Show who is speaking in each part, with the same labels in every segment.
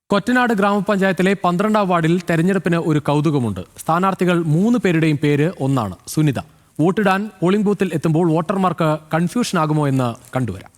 Speaker 1: കൊറ്റനാട് ഗ്രാമപഞ്ചായത്തിലെ 12ാം വാർഡിൽ തെരഞ്ഞെടുപ്പിന് ഒരു കൗതുകമുണ്ട്. സ്ഥാനാർത്ഥികൾ 3 പേരുടെയും പേര് ഒന്നാണ്, സുനിത. വോട്ടിടാൻ പോളിംഗ് ബൂത്തിൽ എത്തുമ്പോൾ വോട്ടർമാർക്ക് കൺഫ്യൂഷൻ ആകുമോ എന്ന് കണ്ടുവരാം.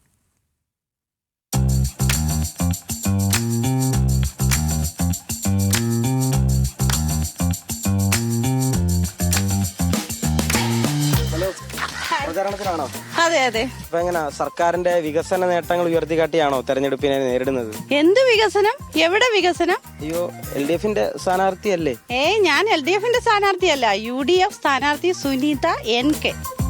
Speaker 2: പ്രചാരണത്തിലാണോ?
Speaker 3: അതെ അതെ.
Speaker 2: അപ്പൊ എങ്ങനെ സർക്കാരിന്റെ വികസന നേട്ടങ്ങൾ ഉയർത്തിക്കാട്ടിയാണോ തെരഞ്ഞെടുപ്പിനെ നേരിടുന്നത്?
Speaker 3: എന്ത് വികസനം? എവിടെ വികസനം?
Speaker 2: അയ്യോ, LDF-ന്റെ സ്ഥാനാർത്ഥിയല്ലേ?
Speaker 3: ഞാൻ LDF-ന്റെ സ്ഥാനാർത്ഥിയല്ല, UDF സ്ഥാനാർത്ഥി സുനിത NK.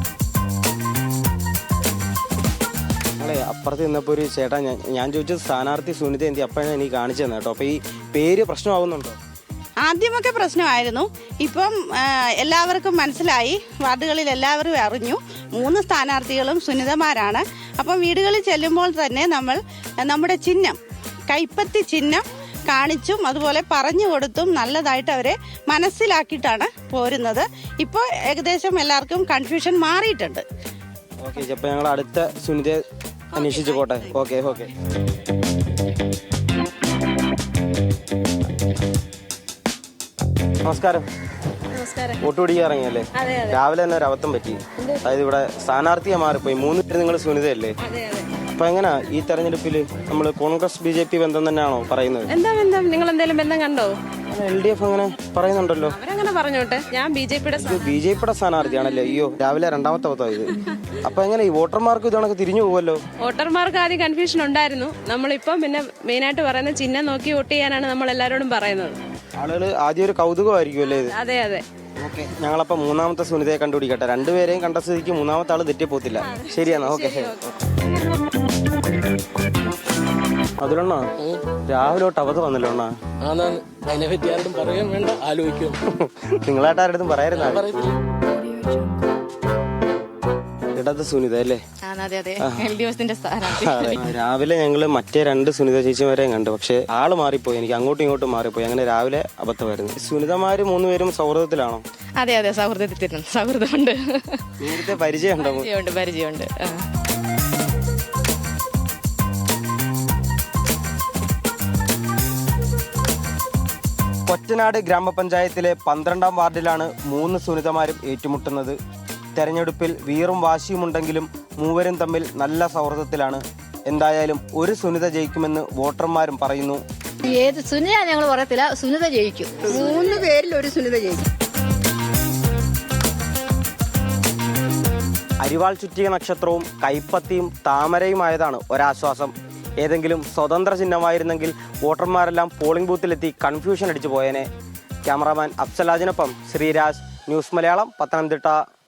Speaker 2: ഞങ്ങളെ അപ്പുറത്ത് നിന്നപ്പോ ഒരു ചേട്ടാ ഞാൻ ചോദിച്ചത് സ്ഥാനാർത്ഥി സുനിത എന്തി അപ്പോഴാണ് എനിക്ക് കാണിച്ചു തന്നെ കേട്ടോ. അപ്പൊ ഈ പേര് പ്രശ്നമാവുന്നുണ്ടോ?
Speaker 3: ആദ്യമൊക്കെ പ്രശ്നമായിരുന്നു. ഇപ്പം എല്ലാവർക്കും മനസ്സിലായി, വാർഡുകളിൽ എല്ലാവരും അറിഞ്ഞു 3 സ്ഥാനാർത്ഥികളും സുനിതമാരാണ്. അപ്പം വീടുകളിൽ ചെല്ലുമ്പോൾ തന്നെ നമ്മൾ നമ്മുടെ ചിഹ്നം, കൈപ്പത്തി ചിഹ്നം കാണിച്ചും അതുപോലെ പറഞ്ഞു കൊടുത്തും നല്ലതായിട്ട് അവരെ മനസ്സിലാക്കിയിട്ടാണ് പോരുന്നത്. ഇപ്പോൾ ഏകദേശം എല്ലാവർക്കും കൺഫ്യൂഷൻ മാറിയിട്ടുണ്ട്.
Speaker 2: ഓക്കെ, അപ്പൊ ഞങ്ങൾ അടുത്ത സുനിതയെ അന്വേഷിച്ചു പോട്ടെ. Okay okay. നമസ്കാരം. വോട്ട് പിടിക്കാൻ ഇറങ്ങിയല്ലേ? രാവിലെ തന്നെ ഒരു അബദ്ധം പറ്റി. അതായത് ഇവിടെ സ്ഥാനാർത്ഥിയെ മാറിപ്പോയി. 3 പേര് നിങ്ങൾ സുനിതയല്ലേ? അപ്പൊ എങ്ങനാ ഈ തെരഞ്ഞെടുപ്പിൽ നമ്മൾ കോൺഗ്രസ് BJP ബന്ധം തന്നെയാണോ പറയുന്നത്?
Speaker 4: എന്താ ബന്ധം? നിങ്ങൾ എന്തെങ്കിലും ബന്ധം കണ്ടോ?
Speaker 2: LDF അങ്ങനെ പറയുന്നുണ്ടല്ലോ.
Speaker 4: അവരങ്ങനെ പറഞ്ഞോട്ടെ. ഞാൻ
Speaker 2: BJPയുടെ സ്ഥാനാർത്ഥിയാണല്ലേ? അയ്യോ, രാവിലെ 2ാമത്തെ അബദ്ധമായത്. അപ്പൊ എങ്ങനെ ഈ വോട്ടർമാർക്ക് ഇതണക്ക് തിരിഞ്ഞു പോവല്ലോ?
Speaker 4: വോട്ടർമാർക്ക് ആദ്യം കൺഫ്യൂഷൻ ഉണ്ടായിരുന്നു. നമ്മളിപ്പം പിന്നെ മെയിനായിട്ട് പറയുന്ന ചിഹ്നം നോക്കി വോട്ട് ചെയ്യാനാണ് നമ്മൾ എല്ലാവരോടും പറയുന്നത്.
Speaker 2: ആളുകൾ ആദ്യം ഒരു കൗതുകമായിരിക്കും അല്ലേ ഇത്?
Speaker 4: അതെ അതെ.
Speaker 2: ഓക്കെ, ഞങ്ങളപ്പോ 3ാമത്തെ സുനിതയെ കണ്ടുപിടിക്കട്ടെ. 2 പേരെയും കണ്ട സ്ഥിതിക്ക് 3ാമത്തെ ആള് തെറ്റിപ്പോത്തില്ല. ശരിയാണോ? ഓക്കെ. അതിലണ്ണ രാവിലെ തൊട്ട് അബദ്ധം വന്നല്ലോ അണ്ണാ.
Speaker 5: അതിനെപ്പറ്റി ആരോടും പറയാൻ വേണ്ട, ആലോചിക്കും.
Speaker 2: നിങ്ങളായിട്ട് ആരുടെ പറയാറുണ്ട്? ഇടത് സുനിത അല്ലേ? രാവിലെ ഞങ്ങള് മറ്റേ 2 സുനിത ചേച്ചിമാരെയും കണ്ടു. പക്ഷെ ആള് മാറിപ്പോയി, എനിക്ക് അങ്ങോട്ടും ഇങ്ങോട്ടും മാറിപ്പോയി. അങ്ങനെ രാവിലെ അബദ്ധമായിരുന്നു. സുനിതമാര് 3 പേരും സൗഹൃദത്തിലാണോ?
Speaker 4: അതെ അതെ, സൗഹൃദമുണ്ട്.
Speaker 2: നേരത്തെ പരിചയമുണ്ടോ?
Speaker 4: പരിചയമുണ്ട്.
Speaker 2: കൊറ്റനാട് ഗ്രാമപഞ്ചായത്തിലെ 12ാം വാർഡിലാണ് 3 സുനിതമാരും ഏറ്റുമുട്ടുന്നത്. തെരഞ്ഞെടുപ്പിൽ വീറും വാശിയുമുണ്ടെങ്കിലും മൂവരും തമ്മിൽ നല്ല സൗഹൃദത്തിലാണ്. എന്തായാലും ഒരു സുനിത ജയിക്കുമെന്ന് വോട്ടർമാരും പറയുന്നു.
Speaker 6: ഏത് സുനിത ഞങ്ങൾ പറയത്തില്ല, സുനിത ജയിക്കും.
Speaker 3: 3 പേരിൽ ഒരു സുനിത ജയിക്കും.
Speaker 2: അരിവാൾ ചുറ്റിയ നക്ഷത്രവും കൈപ്പത്തിയും താമരയുമായതാണ് ഒരാശ്വാസം. ഏതെങ്കിലും സ്വതന്ത്ര ചിഹ്നമായിരുന്നെങ്കിൽ വോട്ടർമാരെല്ലാം പോളിംഗ് ബൂത്തിലെത്തി കൺഫ്യൂഷൻ അടിച്ചു പോയേനെ. ക്യാമറാമാൻ അഫ്സലാജിനൊപ്പം ശ്രീരാജ്, ന്യൂസ് മലയാളം, പത്തനംതിട്ട.